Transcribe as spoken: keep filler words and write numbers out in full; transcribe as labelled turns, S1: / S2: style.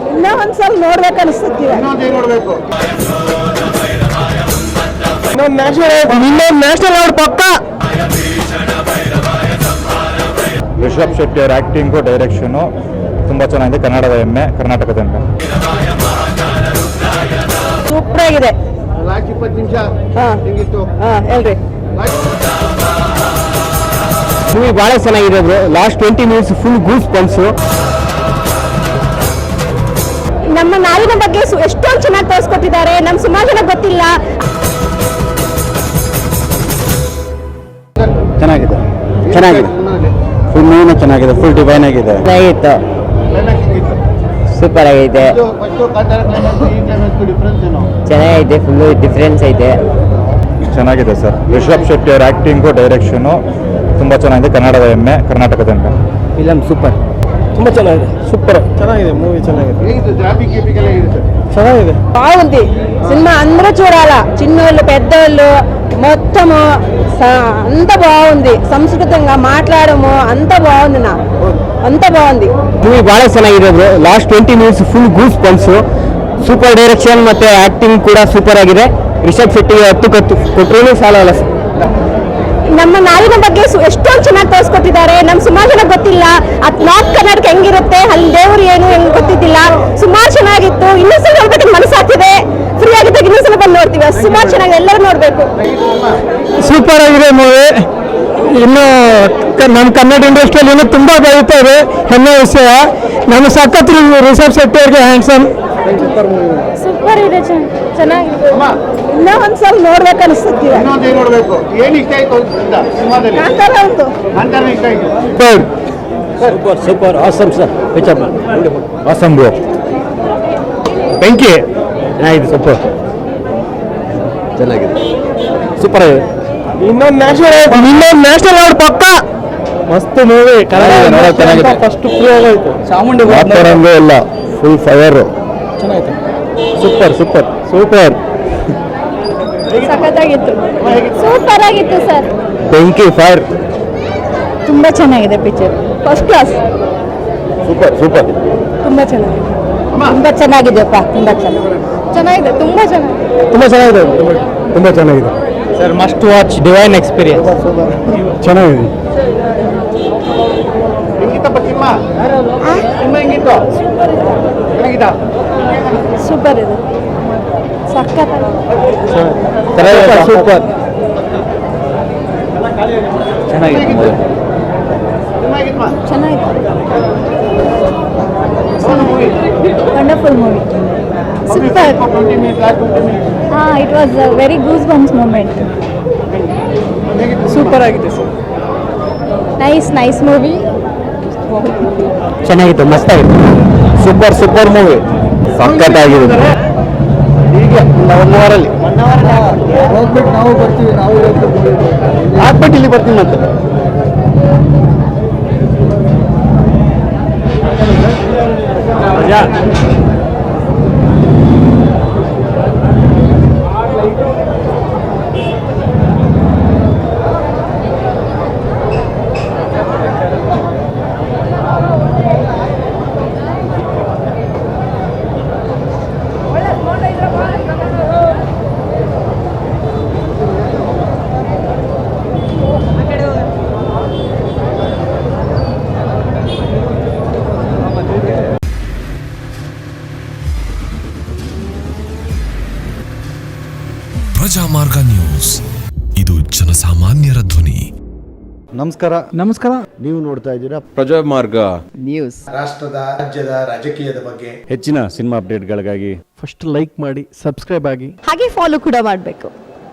S1: ಇನ್ನೂ ಒಂದ್ಸಲ ನೋಡ್ಬೇಕು ಅನಿಸುತ್ತಿದೆ. ನ್ಯಾಷನಲ್ ಅವಾರ್ಡ್ ಪಕ್ಕ.
S2: ರಿಷಬ್ ಶೆಟ್ಟಿ ಅವರ ಆಕ್ಟಿಂಗು ಡೈರೆಕ್ಷನು ತುಂಬಾ ಚೆನ್ನಾಗಿದೆ. ಕನ್ನಡದ ಹೆಮ್ಮೆ, ಕರ್ನಾಟಕದ ಹೆಮ್ಮೆ.
S1: ಸೂಪರ್ ಆಗಿದೆ. ಹೇಳ್ರಿ
S3: ಮೂವಿ ಬಹಳ ಚೆನ್ನಾಗಿದೆ bro. Last twenty minutes full goose pumps.
S1: ನಮ್ಮ ನಾಡಿನ ಬಗ್ಗೆ ಎಷ್ಟೊಂದು ಚೆನ್ನಾಗಿ ತೋರಿಸ್ಕೊಟ್ಟಿದ್ದಾರೆ. ನಮ್ಮ ಸುಮಾರು ಜನ ಗೊತ್ತಿಲ್ಲ.
S3: ಚೆನ್ನಾಗಿದೆ ಚೆನ್ನಾಗಿದೆ ಫುಲ್ ಮೂವಿನ ಚೆನ್ನಾಗಿದೆ. ಫುಲ್ ಡಿವೈನ್ ಆಗಿದೆ. ಚೆನ್ನಾಗಿತ್ತು. ಸೂಪರ್ ಆಗೈತೆ. ಚೆನ್ನಾಗೈತೆ. ಫುಲ್ ಡಿಫ್ರೆನ್ಸ್ ಐತೆ.
S2: ಚೆನ್ನಾಗಿದೆ ಸರ್. ರಿಷಬ್ ಶೆಟ್ಟಿ ಅವರ ಆಕ್ಟಿಂಗು ಡೈರೆಕ್ಷನು ತುಂಬಾ ಚೆನ್ನಾಗಿದೆ. ಕನ್ನಡದ ಹೆಮ್ಮೆ, ಕರ್ನಾಟಕದ ಹೆಮ್ಮೆ.
S3: Film super. ತುಂಬಾ ಚೆನ್ನಾಗಿದೆ. ಸೂಪರ್ ಚೆನ್ನಾಗಿದೆ. ಮೂವಿ ಚೆನ್ನಾಗಿದೆ. ಚೆನ್ನಾಗಿದೆ.
S1: బాగుంది సినిమా. అందరూ చూడాలా. చిన్నోళ్ళు పెద్దోళ్ళు మొత్తము అంత బాగుంది. సంస్కృతంగా మాట్లాడము అంత బాగుంది. నా అంత బాగుంది.
S3: ಮೂವಿ ಬಹಳ ಚೆನ್ನಾಗಿದೆ bro. Last twenty minutes full goose pumps. Super direction ಮತ್ತೆ ಆಕ್ಟಿಂಗ್ ಕೂಡ ಸೂಪರ್ ಆಗಿದೆ. ರಿಷಬ್ ಶೆಟ್ಟಿಗೆ ಹತ್ತು ಕತ್ತು ಕೊಟ್ಟರು ಸಾಲಲ್ಲ.
S1: ನಮ್ಮ ನಾಡಿನ ಬಗ್ಗೆ ಎಷ್ಟೊಂದು ಚೆನ್ನಾಗಿ ತೋರಿಸ್ಕೊಟ್ಟಿದ್ದಾರೆ. ನಮ್ಮ ಸುಮಾರು ಜನ ಗೊತ್ತಿಲ್ಲ. ಅದು ನಾರ್ತ್ ಕರ್ನಾಟಕ ಹೆಂಗಿರುತ್ತೆ, ಅಲ್ಲಿ ದೇವರು ಏನು ಹೆಂಗೆ ಗೊತ್ತಿದ್ದಿಲ್ಲ. ಸುಮಾರು ಚೆನ್ನಾಗಿತ್ತು. ಇನ್ನೊಂದ್ಸಲ ನೋಡ್ಬೇಕು ಮನಸ್ಸಾಗ್ತಿದೆ. ಫ್ರೀ ಆಗಿದ್ದಾಗ ಇನ್ನೊಂದ್ಸಲ ಬಂದು ನೋಡ್ತೀವಿ. ಸುಮಾರು ಚೆನ್ನಾಗಿದೆ. ಎಲ್ಲರೂ ನೋಡಬೇಕು.
S3: ಸೂಪರ್ ಆಗಿದೆ ಮೂವಿ. ಇನ್ನು ನಮ್ಮ ಕನ್ನಡ ಇಂಡಸ್ಟ್ರಿಯಲ್ಲಿ ಇನ್ನೂ ತುಂಬ ಬೆಳೀತಾ ಇದೆ. ಹೆಮ್ಮೆ ವಿಷಯ. ನಮ್ಮ ಸಖತ್ ರಿಷಬ್ ಶೆಟ್ಟಿ ಅವ್ರಿಗೆ ಹ್ಯಾಂಡ್ಸಮ್.
S1: ಸೂಪರ್ ಇದೆ. ಚೆನ್ನಾಗಿದೆ. ಇನ್ನೂ ಒಂದ್ಸಲ ನೋಡ್ಬೇಕು ಅನಿಸುತ್ತಿದೆ.
S3: Super super awesome sir. Picture
S2: awesome bro.
S3: ಬೆಂಕಿ ಚೆನ್ನಾಗಿದೆ. ಸೂಪರ್ ಚೆನ್ನಾಗಿದೆ. ಸೂಪರ್ ಆಗಿದೆ. ಇನ್ನೊಂದು ನ್ಯಾಷನಲ್ ಇನ್ನೊಂದು ನ್ಯಾಷನಲ್ ಅವಾರ್ಡ್ ಪಕ್ಕ. ಮಸ್ತ್ ಮೂವಿ. ಚೆನ್ನಾಗಿದೆ. ಫಸ್ಟ್ ಪ್ರೂವ್ ಆಗೋಯ್ತು. ಚಾಮುಂಡಿ ಮಾತಾಡಂಗೆ ಇಲ್ಲ. Full fire. ಚೆನ್ನಾಗಿದೆ. Super super super.
S1: ಸಖತ್ತಾಗಿತ್ತು. ಸೂಪರ್ ಆಗಿತ್ತು ಸರ್.
S3: ಬೆಂಕಿ ಫೈರ್.
S1: ತುಂಬಾ ಚೆನ್ನಾಗಿದೆ picture. First class.
S3: Super super.
S1: ತುಂಬಾ ಚೆನ್ನಾಗಿದೆ. ತುಂಬಾ ಚೆನ್ನಾಗಿದೆಯಪ್ಪ. ತುಂಬಾ ಚೆನ್ನಾಗಿದೆ. ಚೆನ್ನಾಗಿದೆ. ತುಂಬಾ ಚೆನ್ನಾಗಿದೆ.
S3: ತುಂಬಾ ಚೆನ್ನಾಗಿದೆ. ತುಂಬಾ ಚೆನ್ನಾಗಿದೆ sir. Must watch. Divine experience. ಚೆನ್ನಾಗಿದೆ.
S1: ಸೂಪರ್ ಇದೆ. ಸಖತ್
S3: ಸೂಪರ್ ಚೆನ್ನಾಗಿದೆ.
S1: Wonderful movie. ಸೂಪರ್. ಹಾ, it was a very goose bumps moment.
S3: Super ಆಗಿದೆ ಸರ್.
S1: Nice nice movie.
S3: ಚೆನ್ನಾಗಿತ್ತು. ಮಸ್ತ್ ಆಗಿತ್ತು. Super super movie. ಸಖತ್ತಾಗಿದೆ. ಈಗ ಒನ್ ಅವರಲ್ಲಿ ಹೋಗ್ಬಿಟ್ಟು ನಾವು ಬರ್ತೀವಿ. ನಾವು ಹಾಕ್ಬಿಟ್ಟು ಇಲ್ಲಿ ಬರ್ತೀವಿ ಮತ್ತೆ.
S4: ಪ್ರಜಾಮಾರ್ಗ ನ್ಯೂಸ್. ಇದು ಜನಸಾಮಾನ್ಯರ ಧ್ವನಿ.
S5: ನಮಸ್ಕಾರ.
S3: ನಮಸ್ಕಾರ.
S5: ನೀವು ನೋಡ್ತಾ ಇದ್ದೀರಾ
S4: ಪ್ರಜಾಮಾರ್ಗ
S3: ನ್ಯೂಸ್.
S5: ರಾಷ್ಟ್ರದ, ರಾಜ್ಯದ, ರಾಜಕೀಯದ ಬಗ್ಗೆ
S2: ಹೆಚ್ಚಿನ ಸಿನಿಮಾ ಅಪ್ಡೇಟ್ಗಳಿಗಾಗಿ
S3: ಫಸ್ಟ್ ಲೈಕ್ ಮಾಡಿ, ಸಬ್ಸ್ಕ್ರೈಬ್ ಆಗಿ,
S1: ಹಾಗೆ ಫಾಲೋ ಕೂಡ ಮಾಡಬೇಕು.